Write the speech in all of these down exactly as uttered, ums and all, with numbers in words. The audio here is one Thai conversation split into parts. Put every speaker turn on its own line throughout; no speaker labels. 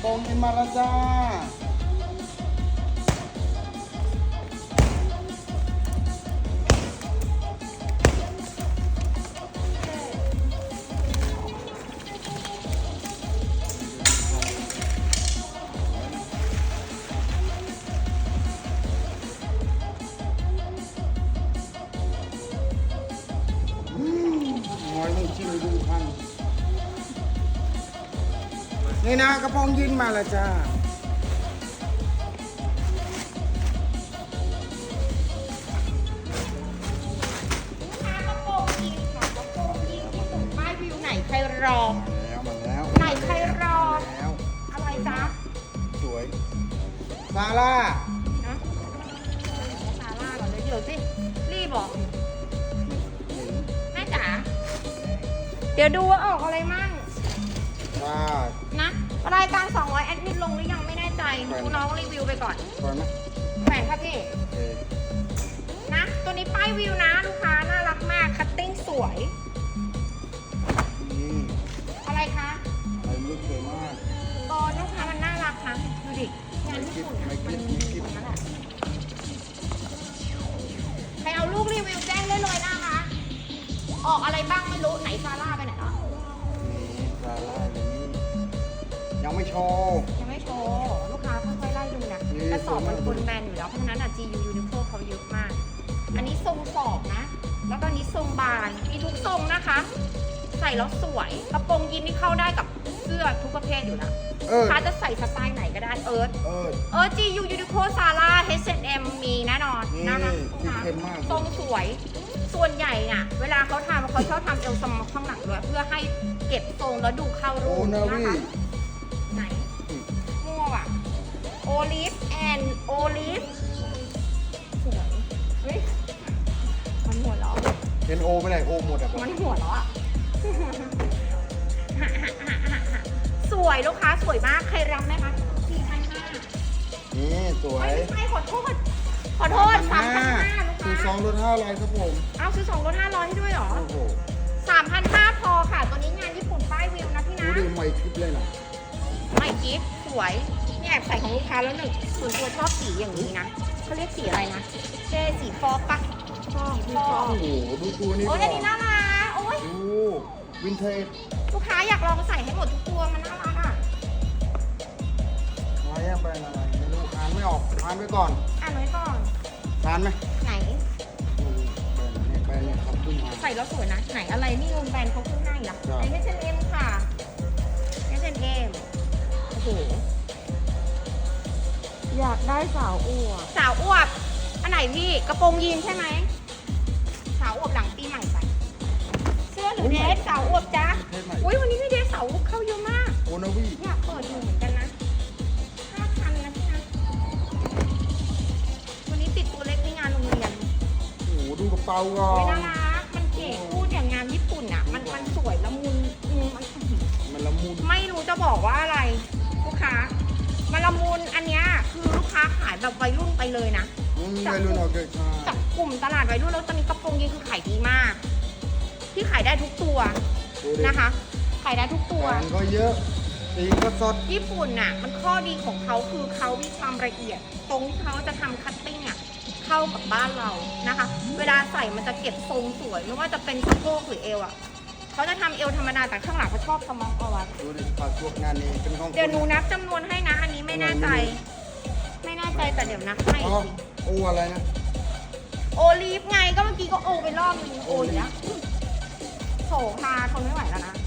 โปรงยินมาแล้วจ้าน้อยมึงชิมดูพันนี่นะกระโปรงยินมาแล้วจ้า
ใครรอ
แล้วมาแล้ว
ไหนใครรอ
แล้ว
อะไรจ๊ะ
สวยซาร่า
นะซาร่าก่อนเลยเดี๋ยวสิรีบบอกแม่จ๋าเดี๋ยวดูว่าออกอะไรมั่ง
ว้า
นะรายการสองร้อยแอดมิดลงหรือยังไม่แน่ใจดูน้องรีวิวไปก่อน
สวยไหม
แหวนครับพี่
เออ
นะตัวนี้ป้ายวิวนะลูกค้าน่ารักมากคัตติ้งสวย
นี่
อะไรคะ
อะไรลูกสวยมาก
ตอนลูกค้ามันน่ารักนะดูดิงานญี่ปุ่นนะมันมีนั่นแหละใครเอาลูกรีวิวแจ้งได้เลยนะคะออกอะไรบ้างไม่รู้ไหนซาร่าไปไหนแล้ว
นี่ซาร่าอย่างนี้ยังไม่โชว์
ยังไม่โชว์ลูกค้าค่อยๆไล่ดูนะ
นี่
กระสอบมันคนแบนอยู่แล้วเพราะฉะนั้นอ่ะ จี ยู Uniqlo เขาเยอะมาก อันนี้ทรงสอบนะ แล้วก็อันนี้ทรงบานมีทุกทรงนะคะ ใส่แล้วสวยกระโปรงยีนนี่เข้าได้กับเสื้อทุกประเภทอยู่แล้ว
เออ
ลูกค้าจะใส่สไตล์ไหนก็ได้เอิร์ธ
เออ
เอิร์ธ จี ยู Uniqlo Zara เอช แอนด์ เอ็ม มีแน่นอน
นี่
นะคะ
สีเข้มมาก
ทรงสวย ส่วนใหญ่น่ะ เวลาเขาทำเขาชอบทำเอวสมอข้างหลังด้วยเพื่อให้เก็บทรงแล้วดูเข้ารู
โอ้
ป
นา
นะ
วี
คะไหนมั่วอ่ะโอลิฟแอนโอลิฟสวยเฮ้ยมันหัวเราะ
เห็นโอไปไหนโอหมดอ่ะ
มันหัวเราะอ่ะ สวยลูกค้าสวยมากใครรับไหมคะสี่พันห้า
นี่สวย
ไม่ใช่ขอโทษขอโทษสามพันห้าลูก
คือส
ค้า
องลดห้าร้อยครับผม
เอาซื้อสองลดห้าร้อยให้ด้วยเหรอ
โอ้โห
สามพันห้าพอค่ะ ตัวนี้งานญี่ปุ่นป้ายวิวนะพี่
ดู
นะ
ดิใหม่คลิปเลยนะ
ไม่กิฟต์สวยนี่แอบใส่ของลูกค้าแล้วหนึ่งส่วนตัวชอบสีอย่างนี้นะเขาเรียกสีอะไรนะเจสีฟอกปะฟอกฟอก
โอ้โหดูตัวนี้
โอ้ย
ก่
อั
อน
นี้น่ารักโอ้ย
ดูวินเทจ
ลูกค้าอยากลองใส่ให้หมดทุกตัวมันน่ารักอ่ะ
มาแยกไปอะไรไม่รู้อ่านไม่ออกอ่านไปก่อน
อ่านไว้ก่อน
อ่านไหม
ไหน
อืมเนี่ยไปเนี่ยครับขึ้นมา
ใส่แล้วสวยนะไหนอะไรนี่โรงแบรนด์เขาขึ้นให้ล่ะ
ใช่
ไหนเอช แอนด์ เอ็ม ค่ะ เอช แอนด์ เอ็ม โอ้โห
อยากได้สาวอวบ
สาวอวบ อันไหนพี่ กระโปรงยีนใช่ไหม สาวอวบหลังปีใหม่ใส่เสื้อหรือเดรสสาวอวบจ้า
เทศใหม่
อุ้ยวันนี้มีเดรสสาวอวบเข้าเยอะมาก
โอนาวี
อยากเปิดอยู่เหมือนกันนะห้าพันนะพี่นะ วันนี้ติดตัวเล็กในงานโรงเรียน
โอ้โหดูกระเป๋าก่อ
ไม่น่าน รัก มันเก๋พูดอย่างงานญี่ปุ่นอ่ะ มันมันสวยละมุนอืมมัน
มันละมุน
ไม่รู้จะบอกว่าอะไร ลูกค้ามาละมุนอันเนี้ยคือลูกค้าขายแบบวัยรุ่นไปเลยนะ
อืมวัยรุ่นออกเกิดมา
จากกลุ่มตลาดวัยรุ่นแล้วตอนนี้กระโปรงยีนคือขายดีมาก ที่ขายได้ทุกตัว
ดูดิ
นะคะ ขายได้ทุกตัว
แบรนด์ก็เยอะสีก็สด
ญี่ปุ่นน่ะ มันข้อดีของเขาคือเขามีความละเอียด ตรงที่เขาจะทำคัตติ้งอ่ะเข้ากับบ้านเรานะคะ เวลาใส่มันจะเก็บทรงสวยไม่ว่าจะเป็นสะโพกหรือเอวอ่ะเขาจะทำเอวธรรมดาแต่ข้างหลังเขาชอบสมองเอาไว้
ดูดิฝากพวกงานนี้เป็นของ
เดี๋ยวหนูนับจำนวนให้นะ อันนี้ไม่แน่ใจ ไม่แน่ใจแต่เดี๋ยวนับให้
อ๋อ
สิ
โออะไรนะ
โอลีฟไงก็เมื่อกี้ก็โอไปรอบนึงโออยู่แล้วโถพาทนไม่ไหวแล้วนะ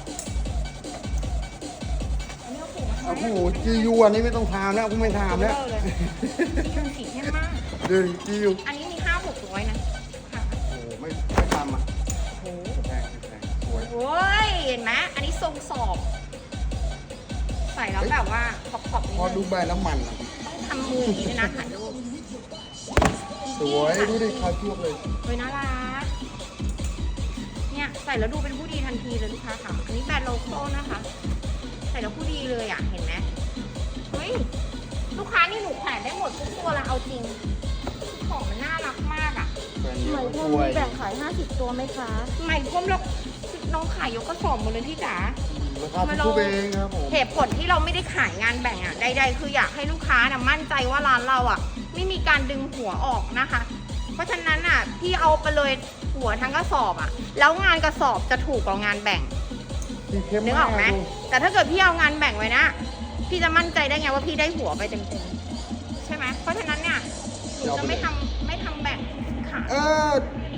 อันนี้ก็ผูกมา
โอ้โหจียูอันนี้ไม่ต้องถามแล้วกูไม่ถามแล้ว
เลยจียูสีเข้มมาก
เดี๋ยวจียู
อันนี้มีห้าหกร้อยนะค่ะ
โอ้โหไม่ไม่ทำอ่ะ
โอ้โห
แพงแพงสวย
โอ้ยเห็นไหมอันนี้ทรงสอบ ใส่แล้วแบบว่าขอบขอบๆนิด
พอดู
นึง
ใบแล้วมันอ่ะ
ต้องทำมืออย่างนี้ด้วยนะถ่ายรูป
สวยดูดิคาช่วงเลย
เฮ้ยน่ารักเนี่ยใส่แล้วดูเป็นผู้ดีทันทีเลยลูกค้าค่ะ อันนี้แบรนด์โลโก้นะคะ ใส่แล้วผู้ดีเลยอ่ะ เห็นไหมเฮ้ย ลูกค้านี่หนูแขวนได้หมดทุกตัวแล้วเอาจริง ของมันน่ารักมากอ่ะ
แบรนด์
ไหม
นี้
พ
ส
วก
วย
มีแบ่งขายห้าสิบตัวไหมคะ
ใหม่พรมแล้วน้องขายยกกระสอบหมดเลยพี่จ๋า
อืมราคาทุกๆเองครับผม
เหตุผลที่เราไม่ได้ขายงานแบ่งอ่ะใดๆคืออยากให้ลูกค้านะมั่นใจว่าร้านเราอ่ะไม่มีการดึงหัวออกนะคะ เพราะฉะนั้นอ่ะพี่เอาไปเลยหัวทั้งกระสอบอ่ะแล้วงานกระสอบจะถูกกว่างานแบ่ง
สีเข้ม
นึกออกไหมแต่ถ้าเกิดพี่เอางานแบ่งไว้นะพี่จะมั่นใจได้ไงว่าพี่ได้หัวไปเต็มๆใช่ไหมเพราะฉะนั้นเนี่ยหนูจะไม่ทำไม่ทำแบ่งขาย
เออ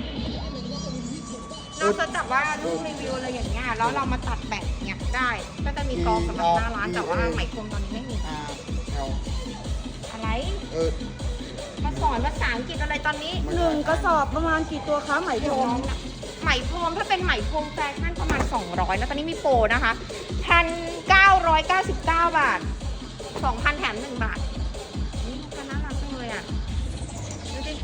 เราจะจับว่ารูปรีวิวอะไรอย่างเงี้ยแล้วเรามาตัดแบ่งเนี่ยได้ก็จะมีกองสำหรับหน้าร้านแต่ว่าไหมพรมตอนนี้ไม่มี
อ่าแถว
อะไร
เออ
มาสอนภาษาอังกฤษอะไรตอนนี้
หนึ่งกระสอบประมาณกี่ตัวคะไหมพรม
ไหมพรมถ้าเป็นไหมพรมแฟชั่นประมาณสองร้อยแล้วตอนนี้มีโปรนะคะหนึ่งพันเก้าร้อยเก้าสิบเก้าบาทสองพันแถมหนึ่งบาทนี่ลูกค้าน่ารักจังเลยอ่ะดูดิ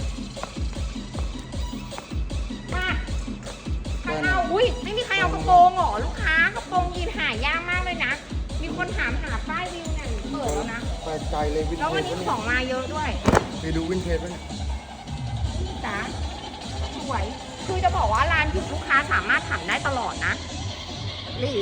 มาใครเอาอุ้ยไม่มีใครเอากระโปรงเหรอลูกค้ากระโปรงยีนหายากมากเลยนะมีคนถามหาป้ายวิวเนี่ยเปิดแล้วนะ
แปลกใจเลยวินเทจ
แล้ววันนี้ของมาเยอะด้วย
ไปดูวินเทจไหมเนี่ย
พี่จ๋าสวย คือจะบอกว่าร้านหยุดลูกค้าสามารถถามได้ตลอดนะหรือ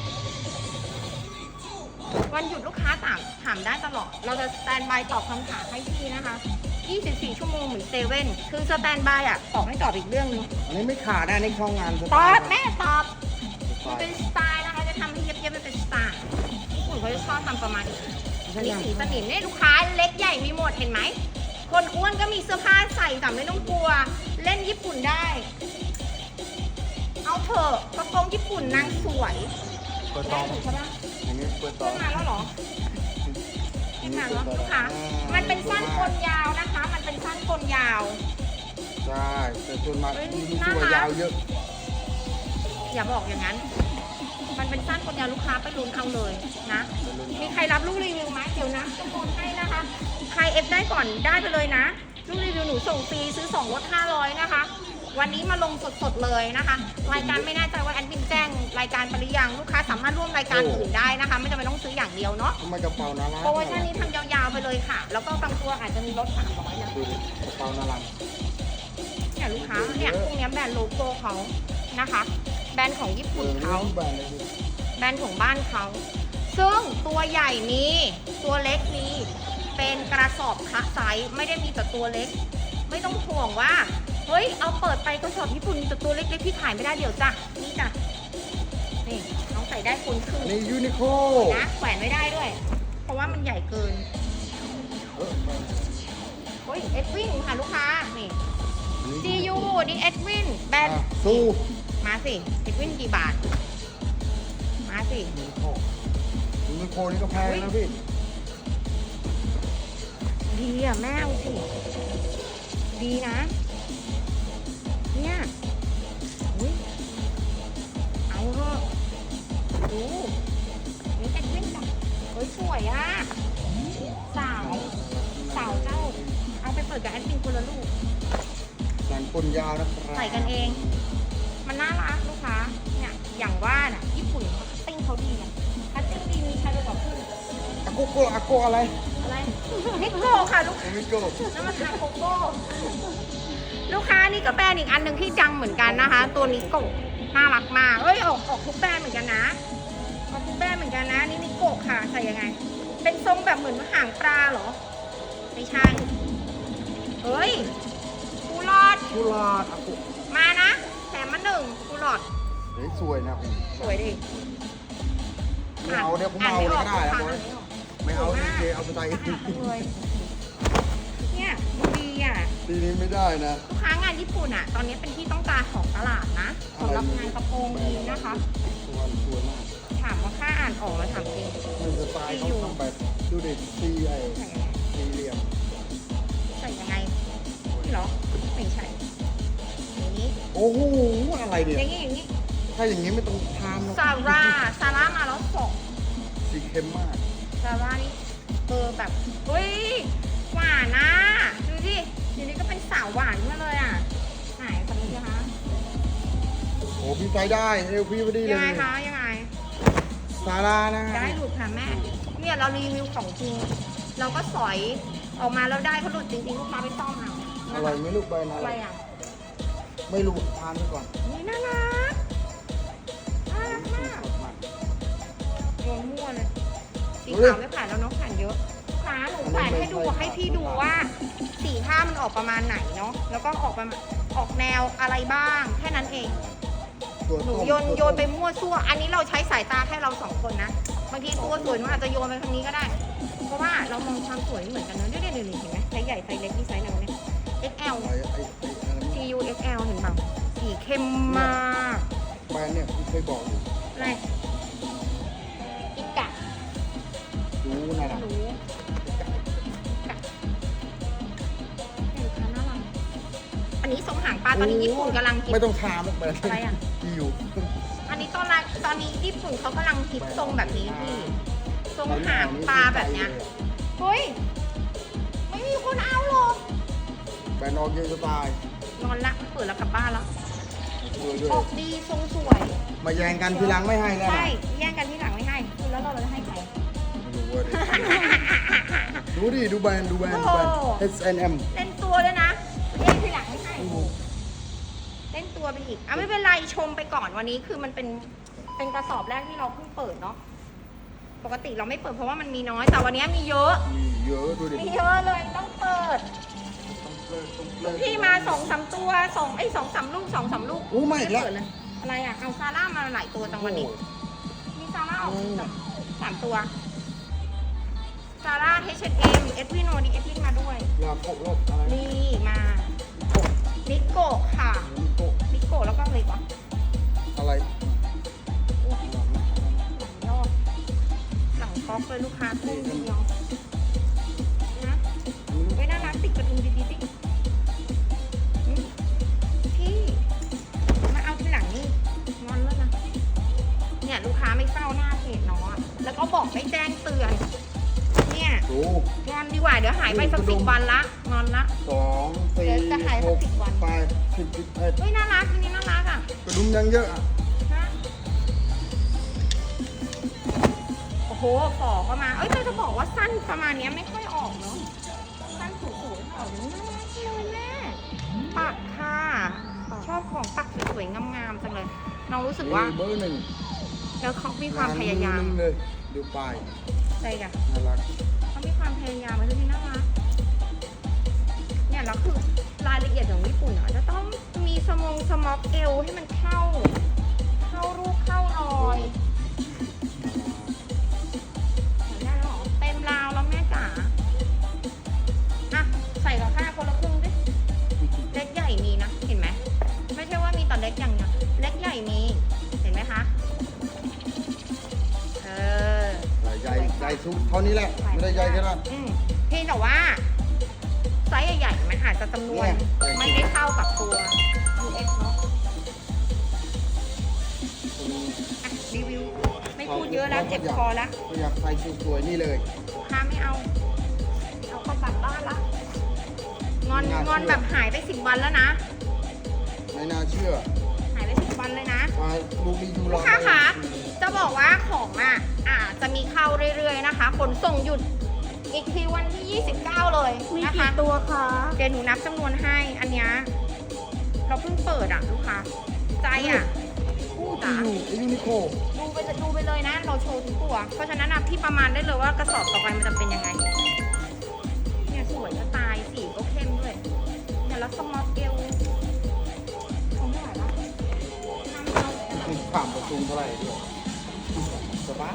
วันหยุดลูกค้าถามถามได้ตลอด เราจะสแตนบายตอบคำถามให้พี่นะคะยี่สิบสี่ชั่วโมงเหมือนเซเว่น คือสแตนบายอ่ะตอบให้ตอบอีกเรื่องนึง
อันนี้ไม่ขาดนะอันนี่เข้างานส
ต
ไต
อบ
ล์
แม่ตอบ
ส
มัน
ไต
เป็น
ล์
สไตล์นะคะ จะทำให้เย็บๆมันเป็นสไตล์ญี่ปุ่นเขาจะชอบทำประมาณนี้อันนี้สีสนิมเนี่ยลูกค้าเล็กใหญ่มีหมดเห็นไหม คนอ้วนก็มีเสื้อผ้าใส่แต่ไม่ต้องกลัว เล่นญี่ปุ่นได้ เอาเถอะกระโปรงญี่ปุ่นนางสวย
เปิดต
ได้
อง
ถูกใช่ปะ
อย่างนี้เปิดตอ
ขึ้
ง
นมาแล้วเหรอขึ้นมาแล้วลูกค้ามันเป็นสั้นคนยาวนะคะ มันเป็นสั้นคนยาว
ใช่แต่ส่วนมาก
เฮ้ย
มี
น่า
ตัว
รัก
ยาวเยอะ
อย่าบอกอย่างนั้น มันเป็นสั้นคนยาวลูกค้าไปลุ้นเอาเลยนะ มีใครรับลูกรีวิวไหมเดี๋ยวนะจะโอนให้นะคะ ใครเอฟได้ก่อนได้ไปเลยนะ ลูกรีวิวหนูส่งฟรีซื้อสองลดห้าร้อยนะคะ วันนี้มาลงสดๆเลยนะคะ รายการไม่แน่ใจว่าแอดมินแจ้งรายการไปหรือยังลูกค้าสามารถร่วมรายการอื่นได้นะคะ ไม่จำเป็นต้องซื้ออย่างเดียวเนาะ
ทำไมกระเป๋าน่ารัก
โปรโมชั่นนี้ทำยาวๆไปเลยค่ะ แล้วก็บางตัวอาจจะมีลดสามร้อยนะ
ดูดิกระเป๋าน่ารัก
เนี่ยลูกค้าเนี่ยพวกเนี้ยแบรนด์โลโก้เขานะคะ แบรนด์ของญี่
เอ
ปุ่น
อ
เขา
แบรนด์เลยดิ
แบรนด์ของบ้านเขา ซึ่งตัวใหญ่มี ตัวเล็กมี เป็นกระสอบคะไซส์ไม่ได้มีแต่ตัวเล็ก ไม่ต้องห่วงว่า เฮ้ย เอาเปิดไปกระสอบญี่ปุ่นมีแต่ตัวเล็กๆพี่ขายไม่ได้เดี๋ยวจ้ะ นี่จ้ะ นี่น้องใส่ได้คนครึ่ง
อันนี้ยูนิโค
นะแขวนไม่ได้ด้วย เพราะว่ามันใหญ่เกิน
เออ
เฮ้ย เอ็ดวินค่ะลูกค้า นี่
อันนี้
ซียูนี่เอ็ดวิน แบรนด์
อ่ะสู้
มาสิ เอ็ดวินกี่บาท มาสิ
ยูนิโคยูนิโคนี่ก็แพงนะพี่
ดีอ่ะแม่เอาสิ ดีนะ เนี่ยอุ๊ยเอาเถอะดูนี่เป็นวิ่งแบบเฮ้ยสวยอ่ะ สาว สาวเจ้า เอาไปเปิดกับแอดมินคนละลูก
แสนปนยาวนะครับ
ใส่กันเอง มันน่ารักลูกค้า เนี่ย อย่างว่าน่ะ ญี่ปุ่นเขาคัตติ้งเขาดีอ่ะคัตติ้งดีมีใครไปบอกพี่
อาโกโกอาโกอะไร
อะไรนิโก้ค่ะลูก
โอมิโก
น้ำมันทาโกโก้ลูกค้านี่ก็แบรนด์อีกอันหนึ่งที่จังเหมือนกันนะคะ ตัวนิโก้น่ารักมากเอ้ยออกออกทุกแบรนด์เหมือนกันนะออกทุกแบรนด์เหมือนกันนะนี่นิโก้ค่ะใส่ยังไง เป็นทรงแบบเหมือนหางปลาเหรอไม่ใช่เฮ้ยกูรอด
กุหลาบอาโก
มานะแถมมาหนึ่งกูรอด
เฮ้ยสวยนะพี่
สวยดิ
ไม่เอาเดี๋ยวผมเอาเลยก็ได้นะบอยไม่เอาดีเจเอาไปใส่
อ่านไม่ออกเลยเนี่ยดูดีอ่ะ
ทีนี้ไม่ได้นะ
ลูกค้างานญี่ปุ่นอ่ะ ตอนนี้เป็นที่ต้องการของตลาดนะสำหรับงานกระโปรงยีนนะคะ
สวยสวยมาก
ถามว่าค่าอ่านออกมาถามจริง
มันสไตล์เขาทำแบบดูดิซีไอ
ใส่ยังไง
สี่เหลี่ยม
ใส่ยังไงนี่เหรอไม่ใช่อย่างนี้
โอ้โหอะไรเนี่ย
อย่างนี้อย่างนี้
ถ้าอย่างนี้ไม่ต้องทานหรอก
ซาร่าซาร่ามาแล้วสอง
สีเข้มมาก
ซาร่านี่เออแบบเฮ้ยหวานนะดูดิเดี๋ยวนี้ก็เป็นสาวหวานขึ้นมาเลยอ่ะไหนคนนี้นะคะ
โอ้พี่ใจได้เอลพี่พอดีเล
ยังไง
ย
คะยังไง
ซาร่านะ
ได้หลุดค่ะแม่ เนี่ยเรารีวิวของจริง เราก็สอยออกมาแล้วได้เขาหลุดจริงๆลูกค้าไปซ่อมเอา
อร่อยไหมลูกใบนะ
อะไรอ่ะ
ไม่รู้ทานไปก่อน
นี่น่ารักน่ารักมาก
สดมาก
วเลยสีขาวไม่แขวนแล้วเนาะแขวนเยอะลูกค้าหนูแขวนให้ดูให้พี่ดูว่าสีผ้ามันออกประมาณไหนเนาะแล้วก็ออกประมาณออกแนวอะไรบ้างแค่นั้นเอง
ตัว
หนู
ต้ม
โยนโยนไปมั่วซั่วอันนี้เราใช้สายตาแค่เราสองคนนะบางทีตัวสวยมันอาจจะโยนไปทางนี้ก็ได้ เพราะว่าเรามองความสวยไม่เหมือนกันเนอะเดี๋ยวเดี๋ยวเห็นไหมไซส์ใหญ่ไซส์เล็กนี่ไซส์ไหนวะเนี่ย เอ็กซ์ แอล
ไอ้ไอ้ไอ้อะไร
ซี ยู เอ็กซ์ แอล เห็นเปล่าสีเข้มมาก
แบรนด์เนี่ยคุณเคยบอกอยู่
อะไรอีกะ
ดูนั่น
ไม่
น่ะ
รู้กะเห็นค่ะน่ารักอันนี้ทรงหางปลาตอนนี้ญี่ปุ่นกำลังกิน
ไม่ต้องทามแบรนด์
อะไรอ่ะ
ที่อยู่
อันนี้ตอนแรกตอนนี้ญี่ปุ่นเขากำลังฮิตทรงแบบนี้พี่ทรงหางปลาแบบเนี้ยเฮ้ยไม่มีคนเอาหรอก
แบรนด์ออกเยอะจะตาย
นอนละเปิดแล้วกลับบ้านแล้ว
ด้วยด้วย
ออกดีทรงสวย
มาแย่งกันทีหลังไม่ให้แน่
ใช่
นะ
แย่งกันที่หลังไม่ให้คุณแล้วเราจะให้ใคร
ไม่รู้เว้ยดูดิดูแบรนด์ดูแบรนด์ดูแบรนด์
โอ้
เอส เอ็น เอ็ม
เล่นตัวด้วยนะแย่งที่หลังไม่ให้เล่นตัวไปอีกอ่ะไม่เป็นไรชมไปก่อนวันนี้คือมันเป็นเป็นกระสอบแรกที่เราเพิ่งเปิดเนาะปกติเราไม่เปิดเพราะว่ามันมีน้อยแต่วันนี้มีเยอะ
มีเยอะดูดิ
มีเยอะเลยต้องเปิด
ต้องเลิกต้องเลิก
พี่มาสองสามตัวสองไอ้สองสามลูกสองสามลูก
อู้มาอีกแล้ว
เปิดเลยอะไรอ่ะเอาซาร่ามาหลายตัวจังวันนี้ มีซาร่าออกสามตัวซาร่า เอช แอนด์ เอ็ม เอสวิโนดีเอสวินมาด้วย
ลาโกะลบอะไร
นี่มานิโกะค่ะ
นิโกะ
นิโกะแล้วก็อะไรวะ
อะไร
หลังยอดหลังก๊อกเลยลูกค้าทุ่มเดียวนะเว้ยน่ารักติดกระดุมดีๆสิหึพี่มาเอาทีหลังนี่งอนแล้วนะเนี่ยลูกค้าไม่เฝ้าหน้าเพจเนาะแล้วก็บอกไม่แจ้งเตือนเนี่ย
ดู
งอนดีกว่าเดี๋ยวหายไปสักสิบวันละงอนละ
สองสี่
เดี๋ยวจะหาย
ห
สัก
ก
สิบวัน
แปดสิบสิบเอ็ด
เฮ้ยน่ารักอันนี้น่ารักอ่ะ
กระดุมยังเยอะอ่ะ
ฮะโอ้โหฝอก็มาเอ้ยแต่จะบอกว่าสั้นประมาณเนี้ยไม่ค่อยออกเนาะสั้นสูงๆออกน่ารักเลยแม่ปักค่ะชอบของปักสวยๆงามๆจังเลยน้องรู้สึกว่า
เบอร์หนึ่ง
แล้วเขามีความพยายาม
งนมือหนึ่งเลยดูปลาย
ใช่จ้ะ
น่ารัก
เขามีความพยายามมันจะมีน่ารักเนี่ยแล้วคือรายละเอียดของญี่ปุ่นอ่ะจะต้องมีสมองสม็อกเอวให้มันเข้า เข้ารูปเข้ารอยเห็นได้แล้วเหรอเต็มราวแล้วแม่จ๋าอ่ะใส่กับผ้าคนละครึ่งดิเล็กใหญ่มีนะเห็นไหมไม่ใช่ว่ามีแต่เล็กอย่างเดียวเล็กใหญ่มีเห็นไหมคะเออ
ใหญ่ใหญ่สุดเท่านี้แหละไม่ได้ใหญ่ขนาด
อืมเพียงแต่ว่าไซส์ใหญ่ๆมันอาจจะจำนวน
เนี่ย
ไม่ได้เข้ากับตัว ยู เอส เนาะอ่ะรีวิว ไม่พูดเยอะแล้วเจ็บคอแล้ว
ก็อยากใส่สวยๆนี่เลย
ลูกค้าไม่เอา เอาเข้ากลับบ้านละงอน
น่าเชื่อ
งอนแบบหายไปสิบวันแล้วนะ
ไม่น่าเชื่อ
หายไปสิบวันเลยนะ
มาลูกรีวิว
ลูกค้าคะจะบอกว่าของอ่ะอาจจะมีเข้าเรื่อยๆนะคะขนส่งหยุดอีกทีวันที่ยี่สิบเก้าเลย
มี
นะคะ
กี่ตัวคะ
เดี๋ยวหนูนับจำนวนให้ อันเนี้ยเราเพิ่งเปิดอ่ะลูกค้า ใจอ่ะกู้จ๋า
อยู่ไอ้ยูนิโค
ดูไปดูไปเลยนะ เราโชว์ทุกตัว เพราะฉะนั้นนะพี่ประมาณได้เลยว่ากระสอบต่อไปมันจะเป็นยังไง เนี่ยสวยจะตายสีก็เข้มด้วยเนี่ยแล้วสมอลเอลคงไม่ไหวละน้ำเอา
มีผ่านประตูเท่าไหร่ด้วยสบาย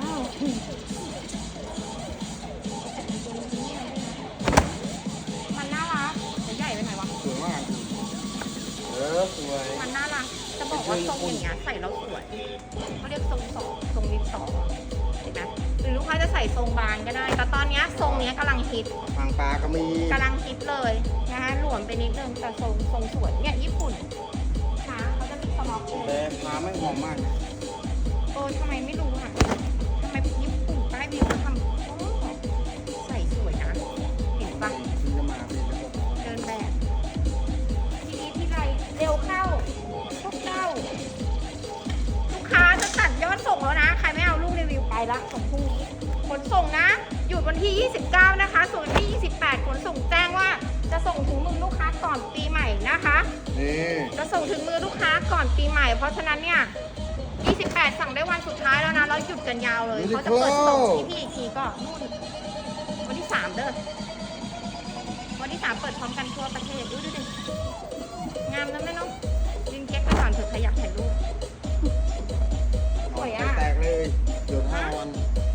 มันน่ารักแต่ใหญ่ไปหน่อยวะ
สวยมาก เออสวย
มันน่ารัก จะบอกว่าทรงอย่างเงี้ยใส่แล้วสวยเขาเรียกทรงสองทรงลิปสองเห็นไหมหรือลูกค้าจะใส่ทรงบานก็ได้ แต่ตอนเนี้ยทรงเนี้ยกำลังฮิต
ทางปลาก็มี
กำลังฮิตเลยนะคะหลวมไปนิดนึงแต่ทรงทรงสวยเนี่ยญี่ปุ่นค่ะเขาจะมีสมอลเอ
แต่
ล
ปลาไม่หอมมาก
เออทำไมไม่รู้อ่ะทำไมญี่ปุ่นใต้วิวเขาทำโอ้ใส่สวยนะ เห็นปะ
ที่จะมาเป็นระบบ
เดินแบบ ทีนี้ที่ไรเร็วเข้าพวกเจ้า ลูกค้าจะตัดยอดส่งแล้วนะ ใครไม่เอาลูกรีวิวไปละส่งพรุ่งนี้ขนส่งนะ หยุดวันที่ ยี่สิบเก้า นะคะ ส่วนวันที่ ยี่สิบแปด ขนส่งแจ้งว่าจะส่งถึงมือลูกค้าก่อนปีใหม่นะคะ
นี่
จะส่งถึงมือลูกค้าก่อนปีใหม่ เพราะฉะนั้นเนี่ยยี่สิบแปดสั่งได้วันสุดท้ายแล้วนะ แล้วหยุดกันยาวเลยเขาจะเปิดส่งที่พี่อีกทีก็นู่นวันที่สามเด้อ วันที่สามเปิดพร้อมกันทั่วประเทศดูดูดิงามนะแม่เนาะยืนเก๊กไปก่อนเถอะใครอยากถ่ายรูป สวยอะ
แตกเลยหยุดห้าวัน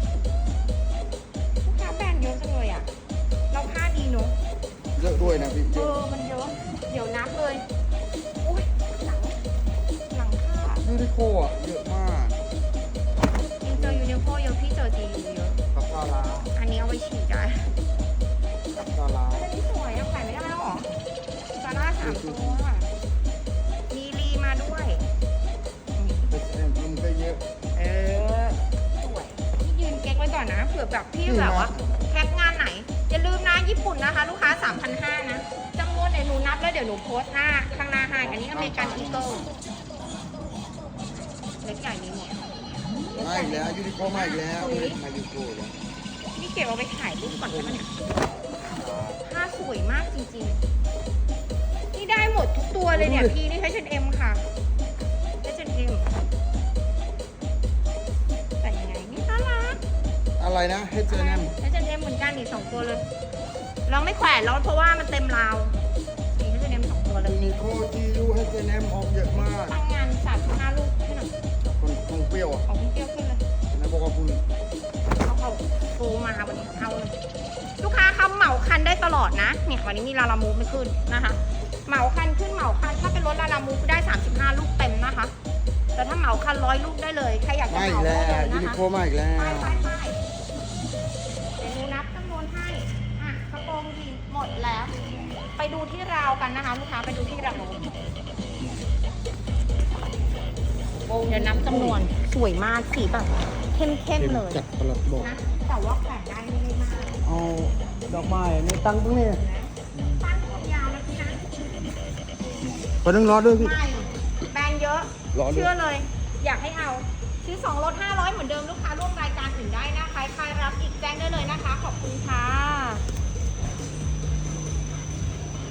ลูกค้าแบรนด์เยอะจังเลยอ่ะ เราผ้าดีเนอะ
เยอะด้วยนะพี่
เออ มันเยอะ เดี๋ยวนับเลย อุ้ยหลัง หลังผ้า
ยูนิโคอ่ะเยอะมาก
ยิงเจอยูนิโคเยอะพี่เจอจียูเยอะ
กับซาลา
อันนี้เอาไว้ฉีดได้
กับซาลา
อันนี้สวยอะขายไม่ได้แล้วหรอซาร่าสามตัวอะมีรีมาด้วย
เป็นแอนมันก็เยอะ
เออ สวยพี่ยืนเก๊กไว้ก่อนนะ เผื่อแบบพี่แบบว่าแคปงานไหน อย่าลืมนะญี่ปุ่นนะคะ ลูกค้า สามพันห้าร้อย นะจำนวนเดี๋ยวหนูนับแล้วเดี๋ยวหนูโพสต์หน้าข้างหน้าให้อันนี้อเมริกันอีเกิลเล็กใหญ่มีหมด
มาอีกแล้วยูนิโคมาอีกแล้วมายูนิโคแล้ว
นี่เก็บเอาไปถ่ายรูปก่อนใช่ไหมเนี่ยผ้าสวยมากจริงๆ นี่ได้หมดทุกตัวเลยเนี่ยพี่นี่ เอช แอนด์ เอ็ม ค่ะ เอช แอนด์ เอ็ม แต่ยังไงนี่น่ารัก
อะไรนะเฮเจแนม
เอช แอนด์ เอ็ม เหมือนกันอีกสองตัวเลยเราไม่แขวนแล้วเพราะว่ามันเต็มราวนี่ เอช แอนด์ เอ็ม สองตัวเลย
ยูนิโคจียูเฮเจแนมออกเยอะมาก
ตั้งงานสามสิบห้าลูกให้หน่อย
คนคงเปรี้ยวอ่ะ
เอาเปรี้ยวขึ้นเลย
นะบอกว่าคุณ
เอาเขาโทรมาวันนี้เอาเลยลูกค้าคำเหมาคันได้ตลอดนะเนี่ยวันนี้มีลาลามูฟไม่ขึ้นนะคะ เหมาคันขึ้นเหมาคันถ้าเป็นรถลาลามูฟได้สามสิบห้าลูกเต็มนะคะ แต่ถ้าเหมาคันร้อยลูกได้เลยใครอยากจะ
มาอี
เห
ก
มา
แล้
ได้
ว
เลย
ยู
นะ
นิ
คะ
โคมาอีกแล้ว
ไปไปไปเดี๋ยวหนูนับจำนวนให้อ่ะกระโปรงยีนหมดแล้ว ไปดูที่ราวกันนะคะ ลูกค้าไปดูที่ราวเดี๋ยวนับจำนวนสวยมากสีแบบเข้มๆเลย
จัดประหลัดบอก
นะแต่ว่าแขวนได้ไม่ได้มาก
เอาดอกไม้ในตังตรงนี้
ตั้งผมยาวนะพี่นะ
พอนึงรอด้วยพี่
ไม่แบรนด์เยอะ
รอด้วย
เชื่อเลย อยากให้เอาซื้อสองลดห้าร้อยเหมือนเดิมลูกค้าร่วมรายการอื่นได้นะคะใครรับอีกแจ้งได้เลยนะคะ ขอบคุณค่ะ